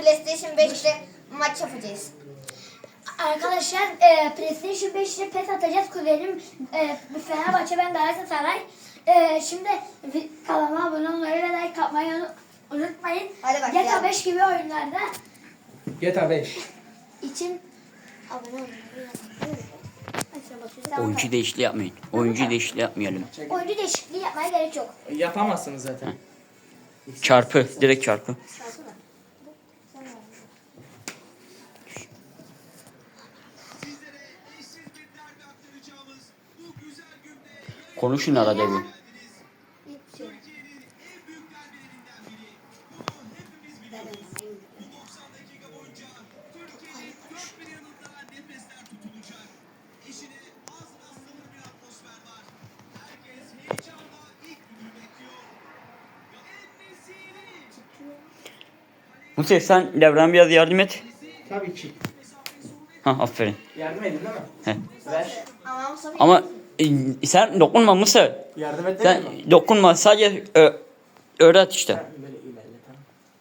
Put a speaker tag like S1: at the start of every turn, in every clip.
S1: PlayStation 5'te maç yapacağız.
S2: Arkadaşlar PlayStation 5'te PES atacağız. Kuzenim Fenerbahçe, ben Galatasaray. Şimdi kanalıma abone olmayı ve like atmayı unutmayın.
S1: Hadi bak ya.
S2: GTA 5 gibi oyunlarda
S3: GTA 5.
S2: için abone olmayı unutmayın.
S4: Oyuncu değişikliği yapmayın. Oyuncu değişikliği yapmayalım.
S2: Oyuncu değişikliği yapmaya gerek yok.
S3: Yapamazsınız zaten.
S4: Çarpı. Direkt çarpı. Konuşun arada bir. Musa sen Devran biraz yardım et.
S3: Tabii ki.
S4: Ha aferin.
S3: Yardım edin değil mi?
S4: He.
S3: Ver.
S4: Ama sen dokunma Musa.
S3: Yardım et
S4: Sen
S3: değil mi?
S4: dokunma, sadece öğret işte.
S3: Böyle ilerle tamam.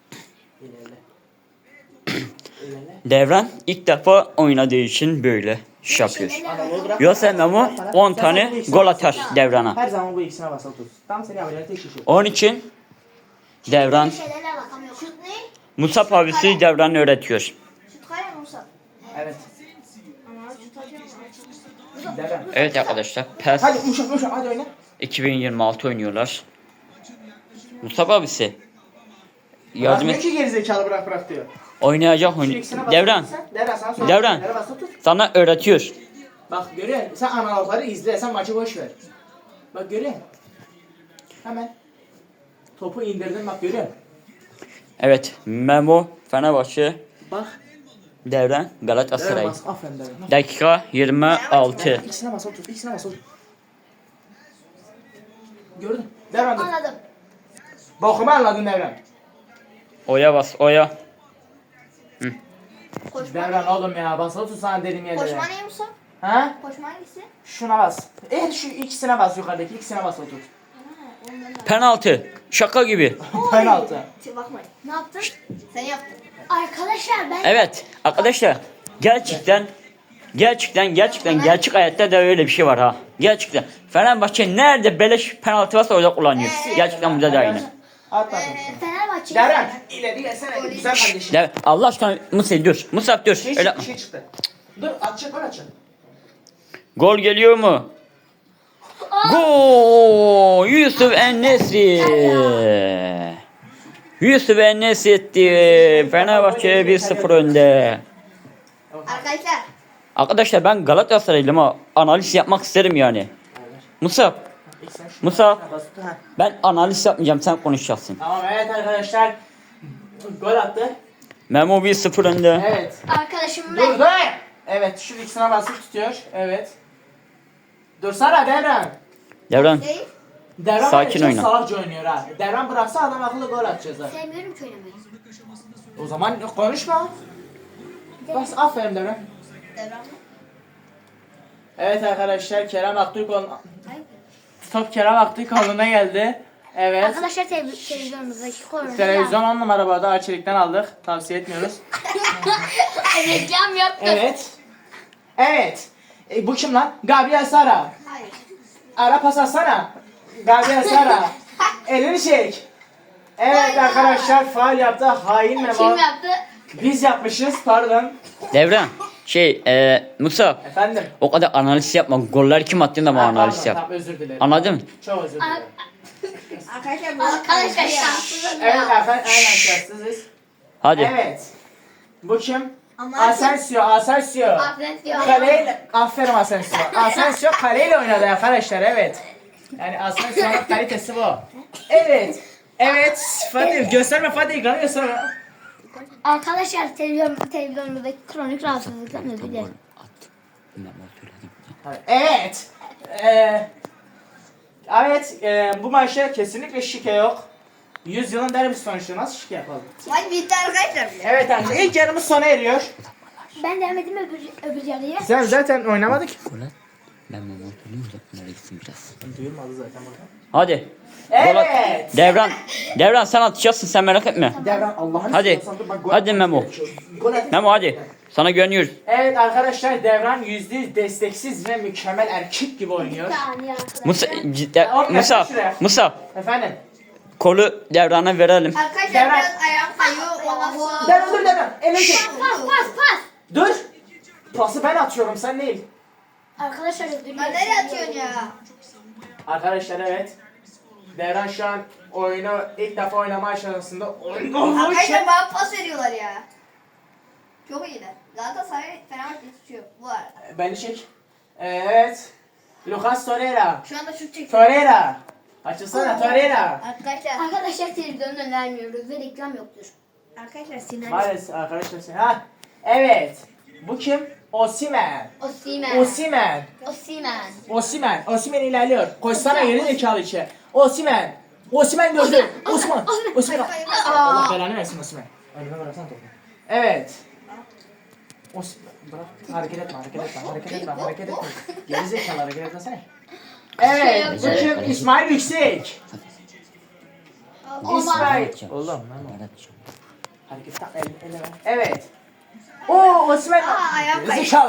S3: İlerle.
S4: Devran ilk defa oynadığı için böyle iş yapıyor.
S3: Anadolu bırak.
S4: Yoksa Memo 10
S3: Sen
S4: tane
S3: bu ikisine
S4: gol
S3: bas.
S4: atar Devran'a.
S3: Her zaman bu ikisine basılı tut. Tam seni yapacağın tek kişi.
S4: Onun için Devran,
S2: Şeylerle bakamıyorum.
S1: Şut ne?
S4: Musab abisi Devran'ı öğretiyor.
S1: Şut kale mi Musa?
S3: Evet.
S1: Ama şut atıyor.
S3: Devran.
S4: Evet arkadaşlar, PES
S3: Hadi uşak hadi oyna.
S4: 2026 oynuyorlar. Musab abisi yardım
S3: Bırakmıyor
S4: et.
S3: ki gerizekalı bırak diyor.
S4: Oynayacak
S3: Şu
S4: oyun.
S3: ikisine bas.
S4: Devran
S3: Devran sana söyle.
S4: Devran.
S3: Devran basılı tut.
S4: sana öğretiyor.
S3: Bak görüyor musun? Sen analogları izle. Sen maçı boş ver. Bak görüyor musun? Hemen. Topu indirdin bak görüyor musun?
S4: Evet, Memo Fenerbahçe,
S3: Bak.
S4: Devran
S3: Devran
S4: Galatasaray.
S3: bas. Aferin Devran.
S4: Dakika 26.
S3: İkisine basılı tut. İkisine basılı tut. Gördün. Devran dur.
S2: Anladım.
S3: Bokumu anladın Devran.
S4: Oya bas, oya.
S1: Koşma.
S3: Devran oğlum ya basılı tut sana dedim yerde.
S1: Koşma ne Musa?
S3: Ha?
S1: Koşma hangisi?
S3: Şuna bas. Şu ikisine bas yukarıdaki ikisine basılı tut.
S4: Penaltı. Şaka gibi.
S3: Penaltı.
S1: Bakmayın.
S2: Ne yaptın?
S1: Sen yaptın.
S2: Arkadaşlar ben
S4: Evet arkadaşlar, gerçekten gerçek hayatta da öyle bir şey var ha. Gerçekten. Fenerbahçe nerede beleş penaltı varsa orada kullanıyor. Gerçekten burada da aynı.
S3: At bakayım.
S2: Fenerbahçe'yi
S3: Devran ileri gelsene güzel kardeşim.
S4: Allah aşkına Musa dur. Musa dur.
S3: Şey
S4: Öyle
S3: çıktı,
S4: yapma.
S3: şey çıktı. Dur atacak gol atacak.
S4: Gol geliyor mu? Gol! Yusuf En-Nesyri. Yusuf En-Nesyri etti. Fenerbahçe 1-0 önde.
S1: Arkadaşlar.
S4: Arkadaşlar ben Galatasaraylıyım ama analiz yapmak isterim yani. Musa,
S3: İkisine şu-
S4: Musa.
S3: Bas tut, ha.
S4: Ben analiz yapmayacağım, sen konuşacaksın.
S3: Tamam evet arkadaşlar. Gol attı.
S4: Memo 1-0 önde.
S3: Evet.
S2: arkadaşım ben.
S3: Dur dur. Evet şu ikisine basıp tutuyor. Evet. Dursana Devran.
S4: Devran,
S1: Değil.
S3: Devran
S4: Sakin
S3: çok
S4: oyna.
S3: salakça oynuyor ha. Devran bıraksa adam akıllı gol atacağız ha.
S2: Sevmiyorum ki oynamayı.
S3: O zaman konuşma. Bas aferin Devran.
S1: Devran mı?
S3: Evet arkadaşlar Kerem Aktürkoğlu. Top Kerem Aktürkoğlu'na geldi. Evet.
S2: Arkadaşlar televizyonumuzdaki konumuz.
S3: Televizyon 10 numara bu arada Arçelik'ten aldık. Tavsiye etmiyoruz.
S2: Reklam yaptım.
S3: Evet. Evet. Bu kim lan? Gabriel Sara.
S1: Hayır.
S3: Ara pas atsana. Gabriel Sara. Elini çek. Evet arkadaşlar faul yaptı. Hain Memo.
S2: Kim yaptı?
S3: Biz yapmışız pardon.
S4: Devran, Musa,
S3: Efendim.
S4: o kadar analiz yapma. Goller kim attığında mı analiz
S3: Pardon,
S4: yap.
S3: tamam, özür dilerim.
S4: Anladın mı?
S3: Çok özür dilerim.
S1: Arkadaşlar bu
S2: Arkadaşlar şanssızım
S3: Evet
S2: ya.
S3: efendim aynen şanssızız.
S4: Hadi.
S3: Evet. Bu kim?
S1: Ama
S3: Asensio.
S2: Aferin diyor.
S3: Kaleyle, aferin Asensio. Asensio kaleyle oynadı arkadaşlar evet. Yani Asensio'nun kalitesi bu. Evet. Evet. Fatih gösterme Fatih ekranı gösterme.
S2: Arkadaşlar televizyonumuzdaki kronik rahatsızlıktan özür dilerim.
S3: Evet. Evet. Bu maçta kesinlikle şike yok. 100 yılın derbisi sonuçta nasıl şike yapalım?
S1: maç bitti arkadaşlar bile.
S3: Evet arkadaşlar ilk yarımız sona eriyor.
S2: Ben devam edeyim öbür yarıya.
S3: Sen zaten oynamadık.
S4: Ben Memo oturayım da bunlara gitsin biraz.
S3: Duyulmadı zaten burada.
S4: Hadi.
S3: Evet.
S4: Devran sen atacaksın sen merak etme.
S3: Devran Allah'ını
S4: Hadi.
S3: seviyorsan dur, bak, gol
S4: Hadi
S3: atmak
S4: Memo.
S3: gerekiyor. Gol at.
S4: Memo hadi. Sana güveniyoruz.
S3: Evet arkadaşlar Devran %100 desteksiz ve mükemmel erkek gibi oynuyor.
S2: Bir saniye arkadaşlar.
S4: Musa
S3: Efendim.
S4: kolu Devran'a verelim.
S1: Arkadaşlar
S3: Devran.
S1: biraz ayağım kayıyor. Ondan sonra.
S3: Devran dur Devran. Ele çek.
S2: Pas.
S3: Dur. Pası ben atıyorum sen değil.
S2: Arkadaşlar ödülü.
S1: Lan nereye atıyorsun ya?
S3: Arkadaşlar evet. Devran şu an oyunu ilk defa oynama aşamasında oynuyor.
S1: Arkadaşlar bana pas veriyorlar ya. Çok iyiler. Galatasaray Fenerbahçe tutuyor bu arada.
S3: Beni çek. Evet. Lucas Torreira.
S1: Şu anda şut çekiyor.
S3: Torreira. Açılsana Torreira.
S1: Arkadaşlar
S2: Televizyon önermiyoruz ve reklam yoktur.
S1: Sinan.
S3: Maalesef arkadaşlar. Ha. Evet. Bu kim? Osimhen.
S2: Osimhen.
S3: Osimhen ilerliyor. Koşsana geri zekalı içe. Osimhen gördü. Osimhen. Allah belanı versin Osimhen. Önüme bıraksana topu. Evet. Bırak. Hareket etme. Geri zekalı hareket etmesene. Evet. Bu kim? İsmail Yüksek. İsmail. Oğlum lan. Hareket tak elle ver. Evet. Osimhen.
S1: ayağım
S3: Geri
S1: kaydı.
S3: zekalı.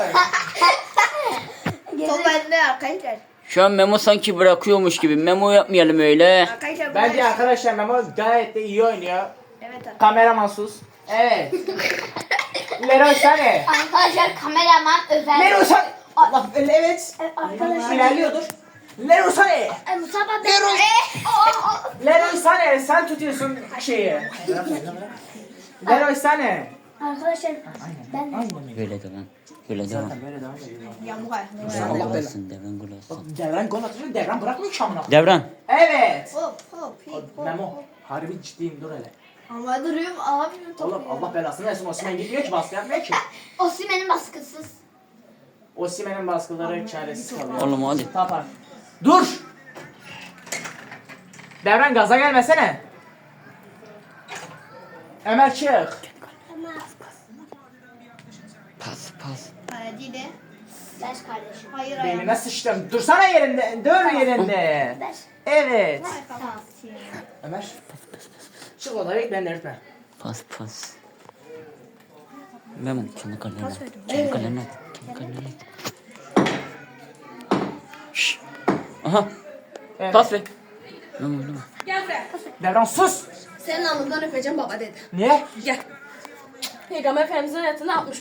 S1: Top bende arkadaşlar.
S4: Şu an Memo sanki bırakıyormuş gibi. Memo yapmayalım öyle.
S1: Arkadaşlar
S3: Bence arkadaşlar Memo gayet de iyi oynuyor.
S1: Evet arkadaşlar.
S3: Kameraman sus. Evet. Leroy Sané.
S2: Arkadaşlar kameraman özel.
S3: Leroy Sané. Allah evet.
S2: Arkadaşlar.
S3: İlerliyordur. Leroy Sané.
S2: Mustafa
S3: Leroy Sané sen tutuyorsun şeyi. Leroy Sané.
S2: Arkadaşlar ben de.
S4: Böyle devam. Böyle devam.
S3: Böyle devam ediyor.
S1: Yamuk ayak.
S4: Devran gol atsın. Devran gol atsın.
S3: Devran gol atıyor. Devran bırakmıyor ki amına.
S4: Devran.
S3: Evet.
S1: Hop.
S3: Memo. Harbi ciddiyim dur hele.
S1: Ama duruyorum alamıyorum topu.
S3: Oğlum Allah belasını versin. Osimhen gitmiyor ki baskı yapmıyor ki.
S2: Osimhen'in baskısız.
S3: Osimhen'in baskıları çaresiz kalıyor.
S4: Oğlum hadi.
S3: Tapar. Dur. Devran gaza gelmesene. Ömer çık.
S4: Pas.
S1: Hadi de.
S2: Ders kardeşim.
S1: Hayır ayağım.
S3: Beynime sıçtım. Dursana yerinde. Dur yerinde.
S2: Ders.
S3: Evet.
S2: Tamam.
S3: Ömer. Çık odaya ben de öğretmen.
S4: Pas. Memo kendi kalene. Kendi kalene. Şşş. Aha.
S3: Evet.
S4: Pas ver. Memo oynama.
S1: Gel buraya.
S3: Devran sus.
S1: Senin alnından öpeceğim baba dedi.
S3: Niye?
S1: Gel. Peygamber Efendimizin hayatını atmış.